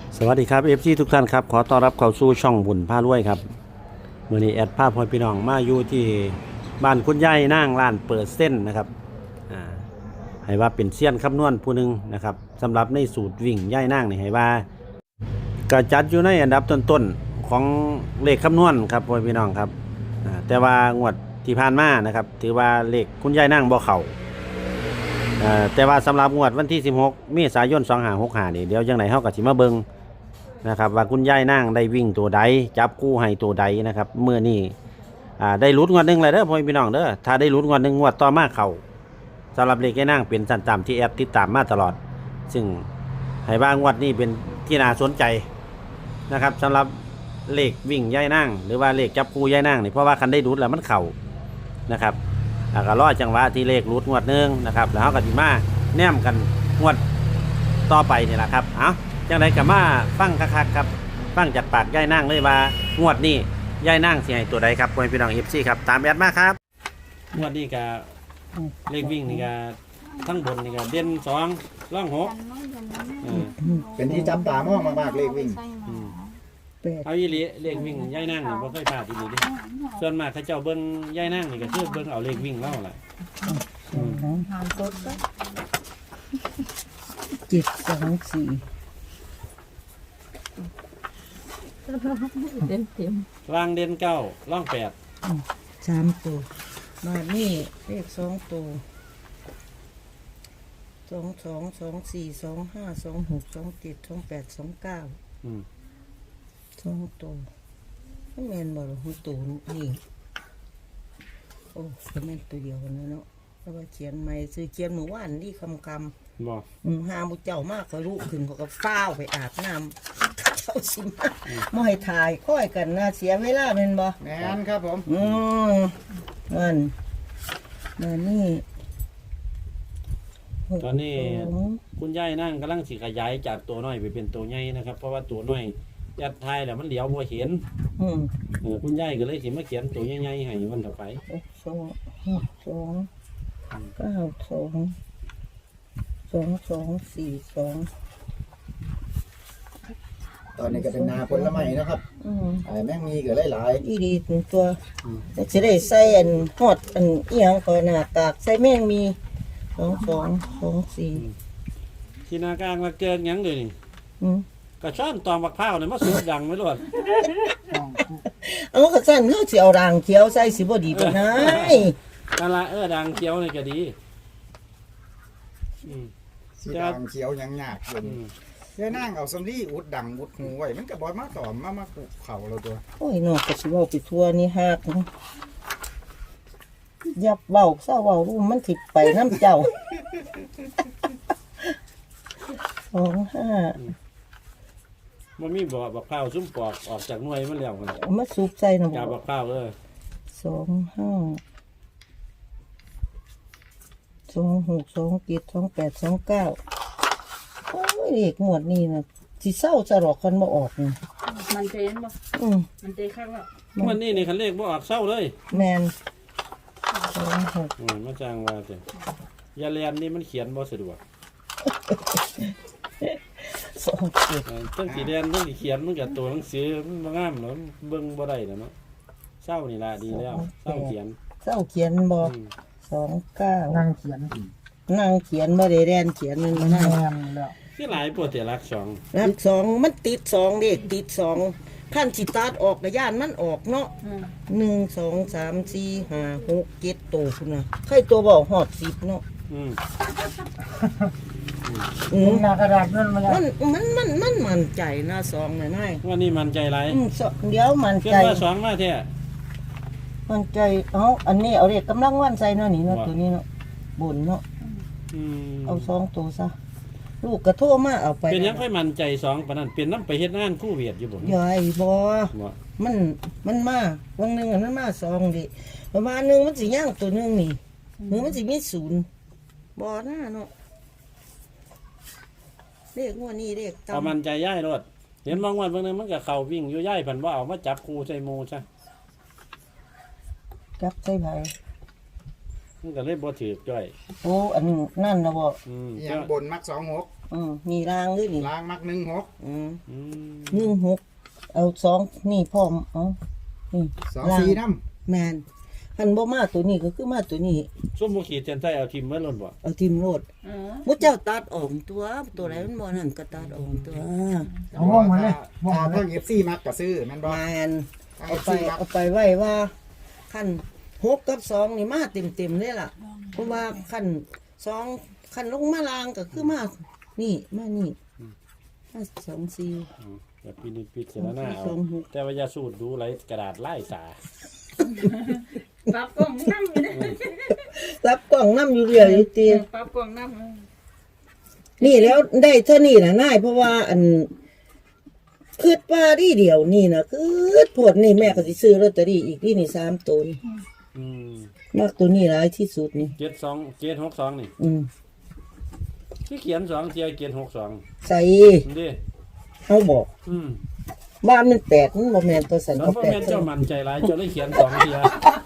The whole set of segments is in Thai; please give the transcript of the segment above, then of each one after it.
สวัสดีครับFCทุกท่านครับขอต้อนรับเข้าสู่ช่องบุญพารวยครับมื้อนี้แอดภาพพ่อพี่น้องมาอยู่ที่บ้านคุณยายนางร้านเปิดเส้นนะครับอ่าให้ว่าเป็นเซียนคำนวณผู้หนึงนะครับสำหรับในสูตรวิ่งยายนางนี่ให้ว่าก็จัดอยู่ในอันดับต้นๆของเลขคำนวณครับพ่อพี่น้องครับแต่ว่างวดที่ผ่านมานะครับถือว่าเลขคุณยายนางบ่เข้าแต่ว่าสำหรับงวดวันที่16เมษายน2565นี่เดี๋ยวจังไดเฮาก็สิมาเบิ่งนะครับว่าคุณยายนางได้วิ่งตัวใดจับคู่ให้ตัวใดนะครับเมื่อนี้ได้ลุ้นงวดหนึ่งเลยเด้อพ่อพี่น้องเด้อถ้าได้ลุ้นงวดหนึ่งงวดต่อมาเขาสำหรับเลขยายนางเป็นสันตามที่แอดติดตามมาตลอดซึ่งให้บ้างงวดนี้เป็นที่น่าสนใจนะครับสำหรับเลขวิ่งยายนางหรือว่าเลขจับคู่ยายนางนี่เพราะว่าคันได้ลุ้นแล้วมันเข่านะครับก็รอจังหวะที่เลขลุ้นงวดหนึ่งนะครับแล้วเขาก็สิมาแนมกันงวดต่อไปนี่แหละครับเอาจังไดก็มาฟังคักๆครับฟังจากปากยายนางเลยว่างวดนี้ยายนางสิให้ตัวใดครับพ่อพี่น้อง FC ครับตามแอดมาครับงวดนี้ก็เลขวิ่งนี่ก็ทั้งบนนี่ก็เด่น2ร่อง6 เป็นที่จับตามองมากๆเลขวิ่งเอาอีหลีเลขวิ่งยายนางนี่บ่เคยพลาดอีหลีเด้ส่วนมากเขาเจ้าเบิ่งยายนางนี่ก็คือเบิ่งเอาเลขวิ่งเล่าล่ะ 724เต็มล่างเด่น9ร่อง8 3ตัวมานี่เลข2ตัว222425262728292ตัวไม่แม่นบ่หรอหูตัวนี่โอ้ก็แม่นตัวเดียวกันเนาะแล้วว่าเขียนใหม่ซื้อเขียนเมื่อวานนี่คำบ่หาบุเจ้ามากก็รู้ขึ้นเขาก็ฟ้าวไปอาบน้ำเขาสิมาไม่ให้ถ่ายค่อยกันนะเสียเวลาเป็นบ่แม่นครับผมนั่นนี่ตอนนี้คุณยายนั่งกำลังสิขยายจากตัวน้อยไปเป็นตัวใหญ่นะครับเพราะว่าตัวน้อยยัดทายแล้วมันเหลียวบ่เห็นคุณยายก็เลยสิมาเขียนตัวใหญ่ๆให้วันต่อไป 2924242 ตอนนี้ก็เป็นนาผลไม้นะครับแม่งมีก็หลายอีดีตัวจะได้ใส่อันฮอดอันเอียงก่อนหน้ากากใส่แม่งมี2224 ที่นากลางมาเกินยังเลยนี่กระช่อนตอมบักพร้าวเนี่ยมาสูดดังไม่รอดเอากระสั่นเฮาสิเอาด่างเขียวใส่สิบ่ดีปานใดนั่นล่ะดังเขียวนี่ก็ดีสีดังเขียวยังยากอยู่ยายนางเอาสำลีอุดดังอุดหูไว้มันก็บ่มาตอมมากุเข่าเราตัวโอ้ยนอกก็สิเว้าไปทั่วนี่ฮักยับเว้าซะเว้ารู้มันสิไปน้ำเจ้า25 มันมีบ่บักพร้าวซุ่มปอกออกจากหน่วยมันแล้วมันเอามาสูบใส่น่ะจับบักพร้าว 2526272829โอ้ยเลขงวดนี้น่ะสิเศร้าจะหรอกคันบ่ออกนี่มันเต้นบ่มันเต้นข้างแล้ววันนี้นี่คันเลขบ่ออกเศร้าเลยแม่นมาจ้างว่าจ้ะยาเรียนนี่มันเขียนบ่สะดวกตั้งสีแดงตั้งสีเขียนมันกับตัวหนังสือมันบ่งามแล้วเบิ่งบ่ได้แล้วเนาะเศร้านี่ล่ะดีแล้วเศร้าเขียนบ่29 นั่งเขียนบ่ได้แดนเขียนมันนั่งแล้วคือหลายโปรตีนรัก2 มันติด2เด็กติด2ขั้นสิตัดออกก็ย่านมันออกเนาะ1 2 3 4 5 6 7ตัวพุ่นน่ะใครตัวบ่ฮอด10เนาะหน้ากระดาษมันมั่นใจนะ2น่ะนายว่านี่มั่นใจหลายเดี๋ยวมั่นใจว่า2มาแท้มั่นใจอันนี้เอาเลขกำลังวันใส่เนาะนี่เนาะตัวนี้เนาะบนเนาะเอา2ตัวซะลูกก็โทรมาเอาไปเป็นยังค่อยมั่นใจ2ปานนั้นเป็นนำไปเฮ็ดงานคู่เวียดอยู่บ่ใหญ่บ่มันมาวันนึงมันมา2ดิประมาณนึงมันสิย่างตัวนึงนี่หรือมันสิมี0บ่น่าเนาะเลขงวดนี้เลขเอามั่นใจย้ายรถเห็นบางวันบางนึงมันก็เข้าวิ่งอยู่ย้ายเพิ่นบ่เอามาจับคู่ใส่หมู่ซะจับใส่ไผมันก็เลยบ่ถูกจ้อยโอ้อันนั่นนะบ่อย่างบนมัก26 นี่รางด้วยนี่ลางมัก16 อืม 16เอา2นี่พร้อมเอานี่ 24นำแม่นคันบ่มาตัวนี้ก็คือมาตัวนี้ส้มบ่ขีดเส้นใต้เอาทิมไว้ล่นบ่เอาทิมโลดเออมุเจ้าตัดออกตัวไหนมันบ่นั่นก็ตัดออกตัวเอาว่องมาเลยว่องมาเลย FC มักก็ซื้อแม่นบ่แม่นเอาเอาไปไปเอาไปไว้ว่าขั้น6กับ2นี่มาเต็มเลยล่ะเพราะว่าขั้น2ขั้นลงมาลางก็คือมานี่มานี่มา2 4 แบบปีนี้พิจารณาเอาสองหกแต่ว่าอย่าสูดดูไหลกระดาษไล่สาปรับกล่องน้ำอยู่นะรับกล่องน้ำอยู่เรื่อยอยู่ตีปรับกล่องน้ำนี่แล้วได้เท่านี้นะนายเพราะว่าอันคืดว่าดีเดียวนี่นะคืดผลนี่แม่ก็สิซื้อลอตเตอรี่อีกที่นี่3ตัวนี่อืมมากตัวนี้หลายที่สุดนี่ 762นี่ ที่เขียน2เทียเขียน62 ใส่นี่ดิเขาบอกอืมบ้านมันแปดมันบ่แม่นตัวสันแล้วก็พ่อแปดแม่นเจ้ามันใจร้ายเจ้าเลยเขียน2เทีย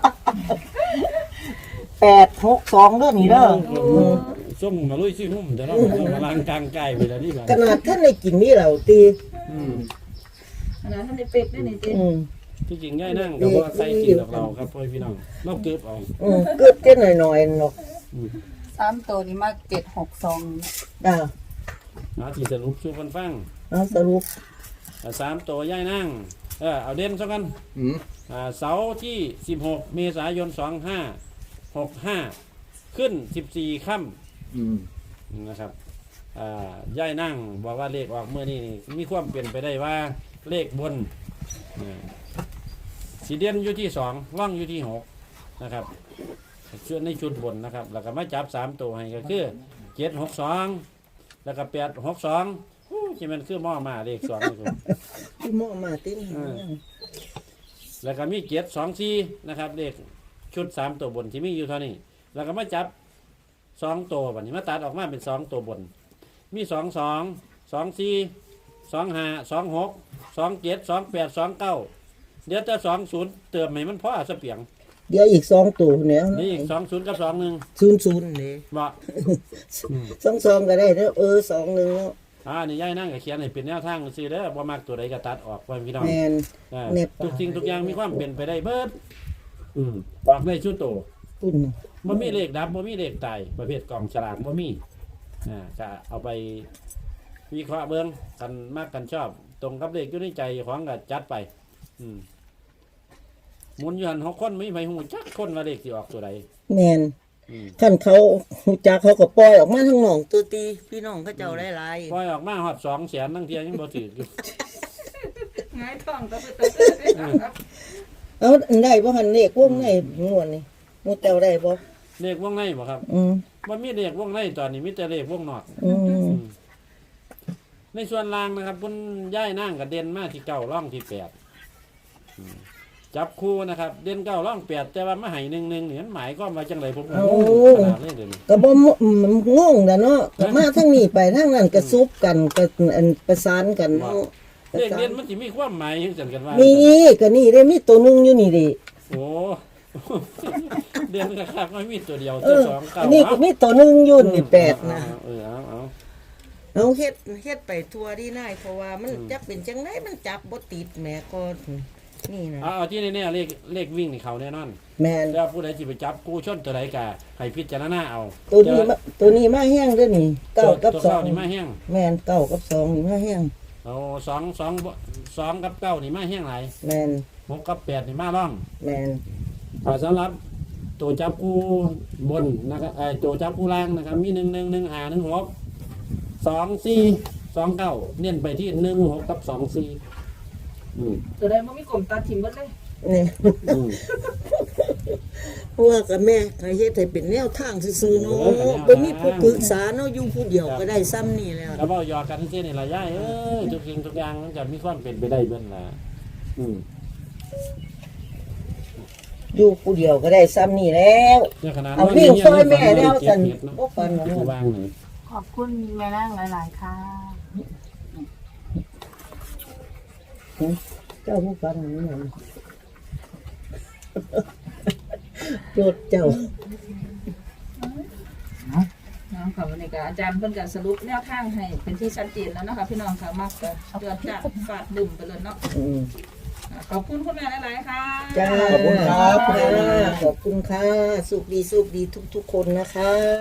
862เด้อนี่เด้อส้มมาลุยซิหุ่มแต่เรามาล้างกลางไก่ไปแล้วนี่บัดขนาดท่านได้กินนี่เราตีอืมขนาดท่านได้เป็ดด้วยนี่เจ๊ที่จริงง่ายนั่งก็บ่ใส่กินดอกเราครับพ่อพี่น้องเราเก็บเอาเกิดเต้นหน่อยๆเนาะ 3ตัวนี้มา762 อ่าหาที่สรุปสู่กันฟังเอาสรุป 3ตัวย่ายนั่งเอาเด่นซะกันอืมเสาร์ที่16เมษายน2565ขึ้น14ค่ำอืมนะครับย่ายนั่งบอกว่าเลขออกเมื่อนี้มีความเปลี่ยนไปได้ว่าเลขบนสีเด่นอยู่ที่2ร่องอยู่ที่6นะครับส่วนในชุดบนนะครับแล้วก็มาจับ3ตัวให้ก็คือ762แล้วก็862ที่มันคือหม้อมาเลข2นี่ครับพี่หม้อมาติ้นแล้วก็มี724นะครับเลขชุด3ตัวบนที่มีอยู่เท่านี้แล้วก็มาจับ2ตัวบัดนี้มาตัดออกมาเป็น2ตัวบนมี22 24 25 26 27 28 29เดี๋ยวจะ20เติมให้มันพอสเปียงเดี๋ยวอีก2ตัวเนี่ยนี่อีก20กับ21 00นี่บ่ 22ก็ได้เด้อ21เนาะนี่ย่ายนั่งก็เขียนให้เป็นแนวทางซื่อเด้อบ่มักตัวใดก็ตัดออกไว้พี่น้องแม่น เน็บทุกสิ่งทุกอย่างมีความเป็นไปได้เบิดออกได้ชุดโตปุ่นบ่มีเลขดับบ่มีเลขตายประเภทกล่องฉลากบ่มีก็เอาไปวิเคราะห์เบิ่งกันมากกันชอบ ตรงกับเลขอยู่ในใจของก็จัดไปหมุนอยู่หัน6คนไม่มีไผฮู้จักคนว่าเลขสิออกตัวใดแม่นคันเขาฮู้จักเขาก็ปล่อยออกมาทั้งน้องตัวตีพี่น้องเขาเจ้าหลายปล่อยออกมาฮอด200,000ทั้งเที่ยยังบ่ถืออยู่ง่ายท้องก็ไปตัวๆเอาอันได้บ่หันเลขวงในม่วนนี่หมู่เจ้าได้บ่เลขวงในบ่ครับบ่มีเลขวงในตอนนี้มีแต่เลขวงนอกในส่วนล่างนะครับเพิ่นย้ายนั่งกับเด่นมาที่9ร่องที่8จับคู่นะครับเด่น9ร่อง8แต่ว่ามาให้1-1นี่มันหมายความว่าจังไดผมก็งงขนาดนี้เดี๋ยวนี้ก็บ่งงดะเนาะก็มาทั้งนี้ไปทั้งนั้นก็ซุบกันก็อันประสานกันเนาะเลขเด่นมันสิมีความหมายจังซั่นกันว่ามีก็นี่ได้มีตัวหนึงอยู่นี่ดิโอ้ เด่นคักๆไม่มีตัวเดียวเอตัวอสองเก้าอันนี้ก็มีตัวหนึงอยู่นี่8นะเอาเอาเฮ็ดไปทั่วดีนายเพราะว่ามันจักเป็นจังไดมันจับบ่ติดแหม่ก็นี่นะเอาที่แน่ๆเลขวิ่งนี่เขาแน่นอนแม่นแล้วผู้ใดสิไปจับกู้ชนตัวใดก็ให้พิจารณาเอาตัวนี้มาแห้งเด้อนี่เก้ากับตัวสอเก้าง นี่มาแห้งแม่นเก้ากับสองนี่มาแห้งเอา2กับ9นี่มาแห้งหลายแม่น 6กับ8นี่มาร่องแม่นสำหรับตัวจับกู้บนนะครับตัวจับกู้ล่างนะครับมี1-1-1-5-1-6 2-4-2-9เน้นไปที่1-6กับ2-4 ตัวใดมันมีกลมตาถิ่มหมดเลยนี่เพราะว่ากับแม่ให้เฮ็ดให้เป็นแนวทางซื่อๆเนาะบ่มีผู้ปรึกษาเนาะอยู่ผู้เดียวก็ได้ซ้ำนี่แล้วแล้วเว้าหยอกกันซื่อนี่ล่ะยายทุกสิ่งทุกอย่างมันจะมีความเป็นไปได้เบิ่นล่ะอยู่ผู้เดียวก็ได้ซ้ำนี่แล้วเนี่ยขนาดเอาวิ่งซอยแม่แล้วซั่นบ่ฟันที่เนาะวางนี่ขอบคุณแม่นางหลาย ๆ ค่ะเจ้าผู้ฟันนี่นั่นโจดเจ้าค่ะวันนี้ก็อาจารย์เพิ่นก็สรุปแนวทางให้เป็นที่ชัดเจนแล้วนะคะพี่น้องค่ะมักก็เดือดจัดฟาดบึ้มไปเลยเนาะขอบคุณคุณแม่หลายๆค่ะจ้าขอบคุณครับขอบคุณค่ะสุขดีทุกๆคนนะคะ